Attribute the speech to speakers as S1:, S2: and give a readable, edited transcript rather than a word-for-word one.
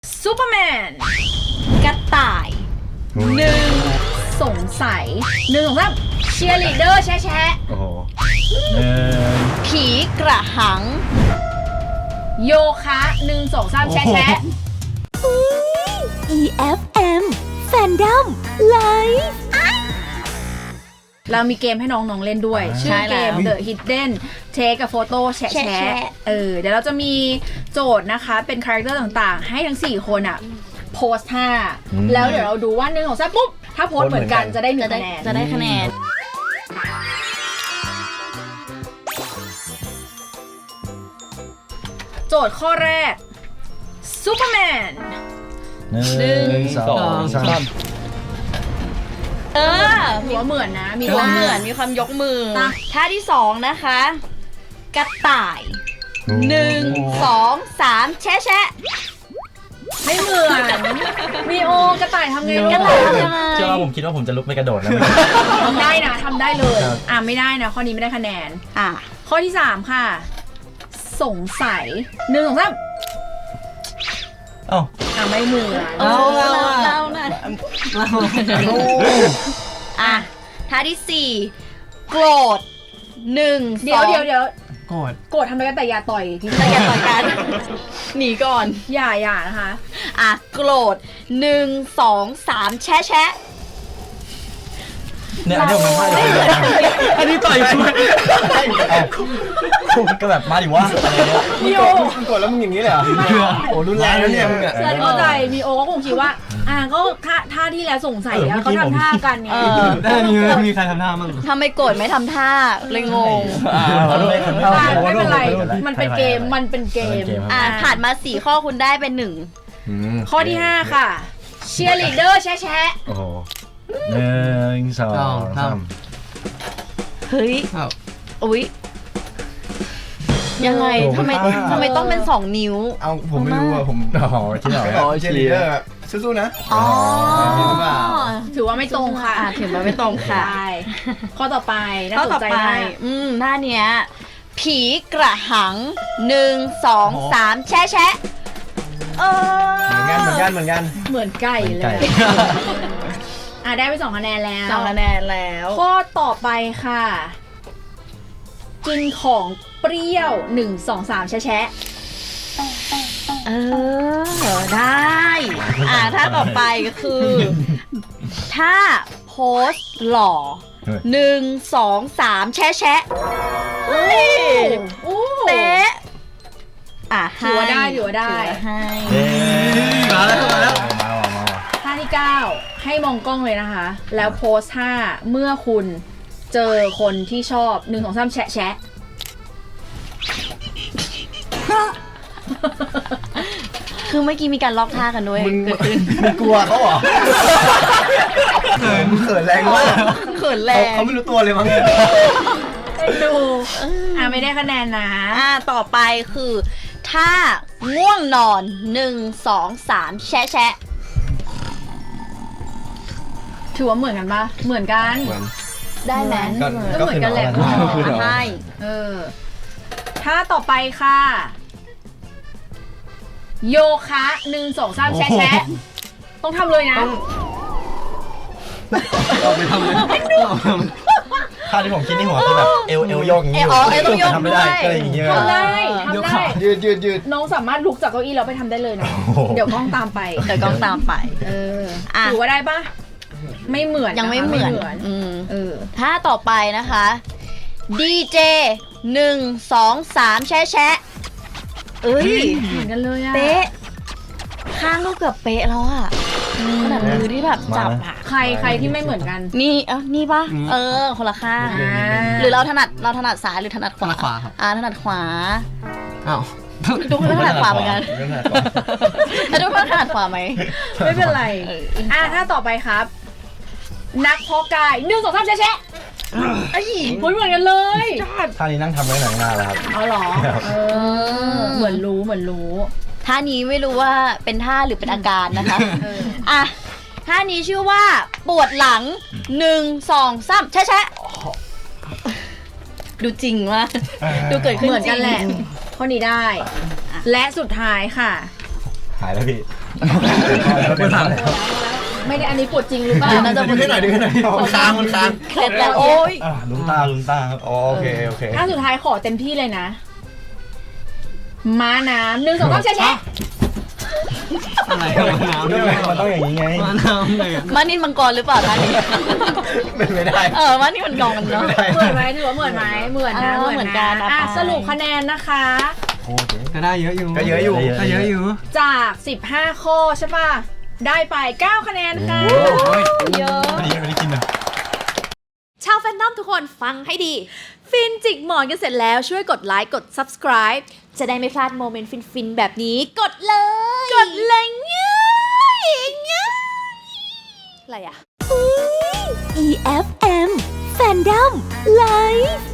S1: ซูเปอร์แมน
S2: กระต่ายหนึ่ง
S1: สงสัยหนึ่งสองสามเชียร์ลีดเดอร์แชะแชะ
S3: โอ้โห
S2: ผีกระหัง
S1: โยคะหนึ่งสองสามแชะแชะ
S4: EFM Fandom Live
S1: เรามีเกมให้น้องๆเล่นด้วย ชื่อเกม The Hidden Take a Photo แชะแชะเดี๋ยวเราจะมีโจทย์นะคะเป็นคาแรคเตอร์ต่างๆ ให้ทั้ง4คนอ่ะโพสท่าแล้วเดี๋ยวเราดูว่า1 2 3ปุ๊บถ้าโพสเหมือนกันจะได้1คะแนน
S2: จะได้คะแนน
S1: โจทย์ข้อแรกซูเปอร์แมน
S3: หนึ่งสองสาม
S1: หัวเหมือนนะมี
S2: มีความเหมือนมีความยกมือ ท่าที่2นะคะ กระต่าย1 2 3แชะแชะ
S1: ไม่เหมือนมีโอกระต่ายทำไงลูก
S2: กระต่ายทำยังไง
S3: เชื่อว่าผมคิดว่าผมจะลุกไม่กระโดดนะ
S1: ทำได้นะทำได้เลยไม่ได้นะข้อนี้ไม่ได้คะแนนข้อที่3ค่ะสงสัย1 2 3ไม่เหมือน
S2: เราน่ะท่าที่4โกรธ1
S1: เดี๋ยว
S3: โกรธ
S1: ทำอะไรกันแต่อย่าต่อยที่
S2: แต่อย่าต่อยกันหนีก่อน
S1: อย่านะคะ
S2: โกรธ1 2 3แชะแชะ
S3: เนี่ยอันนี้ผมไม่ใช่อันนี้ต่อยช่วยก็แบบมาดิวะอะไรเงี้ย
S1: มีโอ
S3: มึงกดแล้วมึงอย่างนี้เลยเหรอโอ้รุนแรงนะเนี่ยมึงเนี่ย
S1: ฉันเข้าใจมีโอก็คงคิดว่าก็ท่าที่แล้วสงสัยเขาทำท่ากันไง
S3: ได้มีใครทำท่ามั่ง
S2: ทำไมโกรธไม่ทำท่าเลยงง
S1: ไม่เป็นไรมันเป็นเกม
S2: ผ่านมา4ข้อคุณได้เป็น1
S1: ข้อที่5ค่ะเชียร์ลีดเดอร์แชะ
S3: โอ้โห1 2 3
S2: เฮ้ยอุ๊ยยังไงทำไมต้องเป็น2นิ้ว
S5: เอาผมไม่รู้อะผม
S3: ที่ไหน
S5: เชียร์ลีดเดอร์สู้ๆนะ
S1: ถือว่าไม่ตรงค่ะ
S2: ถือว่าไม่ตรงค่ะ
S1: ข้อต่อไปน่า
S2: ข้อ
S1: ส
S2: ต่อน
S1: ใจ
S2: ไป
S1: มาก
S2: หน้าเนี้ยผีกระหัง1 2 3แชะแชะ
S5: เหมือนกัน
S1: เหมือนไก่เลยได้ไป2 คะแนนแล้ว
S2: 2 คะแนนแล้ว
S1: ข้อต่อไปค่ะกินของเปรี้ยว1 2 3แชะ
S2: ได้ถ้าต่อไปก็คือถ้าโพสหล่อ1 2 3แชะแชะเป๊ะ
S1: ถือว่าได้
S2: ให้
S3: มาแล้ว
S1: ท่าที่9ให้มองกล้องเลยนะคะแล้วโพสท่าเมื่อคุณเจอคนที่ชอบ1 2 3แชะ
S2: คือเมื่อกี้มีการล็อกท่ากันด้วยเกิดขึ้น
S5: มึงกลัวเขาเหรอเขินแรงมาก
S2: เขินแรง
S5: เขาไม่รู้ตัวเลยมั้ง
S1: ดูไม่ได้คะแนนนะ
S2: ต่อไปคือถ้าง่วงนอน1 2 3แชะแชะ
S1: ถือว่าเหมือนกันปะเหมือนกัน
S2: ได้ไหม
S1: ก็เหมือนกันแหละ
S2: ใช่
S1: ถ้าต่อไปค่ะโยคะ1 2 3แชะต้องทำเลยนะ
S5: เอาไปทำเลย
S3: ท่าที่ผมคิดในหัวคือแบบเอวโยกอย่างนี้ทำไม่ได้ก็เลยอย่างเงี้ย
S1: ทำได้
S5: ยืด
S1: น้องสามารถลุกจากเก้าอี้แล้วไปทำได้เลยนะเดี๋ยวกล้องตามไปถือว่าได้ปะไม่เหมือน
S2: ยังไม่เหมือนถ้าต่อไปนะคะดีเจ1 2 3แชะแชะ
S1: เหมือนกันเลยอะ
S2: เป๊ะข้างก็เกือบเป๊ะแล้วอะขนาดมือที่แบบจับอะ
S1: ใครที่ไม่เหมือนกัน
S2: นี่ปะคนละข้างหรือเราถนัดซ้ายหรือถนัดขวาถนัดขวาทุกคนถนัดขวาเหมือนกันแล้วทุกคนถนัดขวาไหม
S1: ไม่เป็นไรถ้าต่อไปครับนักเพาะกาย1 2 3แชะเหมือนกันเลย
S3: ท่านี้นั่งทำไว้หนังหน้าแล้วครับ
S1: เหรอเหมือนรู้
S2: ท่านี้ไม่รู้ว่าเป็นท่าหรือเป็นอาการนะคะท่านี้ชื่อว่าปวดหลัง1 2 3แชะดูจริงว่าดูเกิดขึ้น
S1: เหมือนกันแหละข้อนี้ได้และสุดท้ายค่ะ
S3: หายแล้วพี่ไม่ทัน
S1: ไม่ได้อันนี้ปวดจริงหรือเปล่า
S2: น่าจะ
S3: ดึงให้หน่อยมันค้าง
S2: เคล็ดแล้วโอ้ย
S3: ลุ้นตาครับโอเค
S1: ถ้าสุดท้ายขอเต็มที่เลยนะ ม้าน้ำ1 2 3แชะ
S5: อะไรน้ำ
S3: มันต้องอย่างนี้ไง
S5: มาน้ำเลย
S2: มานินมังกรหรือเปล่าท่านนี้
S3: ไม่ได้
S2: มานี่มันกองกันเนาะ
S1: เหมือนไหมถือว่าเหมือนไหมเหมือนนะ
S2: เหมือนกันนะ
S1: สรุปคะแนนนะคะ
S5: ก็ได้เยอะอยู่
S3: ก็เยอะอยู่
S5: ก็เยอะอยู่
S1: จาก 15 ข้อใช่ป่ะ ได้ไป 9 คะแนนค่ะ เยอะ
S3: ไม่ได้กินนะ
S6: ชาวแฟนนอมทุกคนฟังให้ดี ฟินจิกหมอนกันเสร็จแล้วช่วยกดไลค์กด subscribe จะได้ไม่พลาดโมเมนต์ฟินๆแบบนี้ กดเลย กดเลยง่ายอะไรอะ
S4: EFM Fandom Live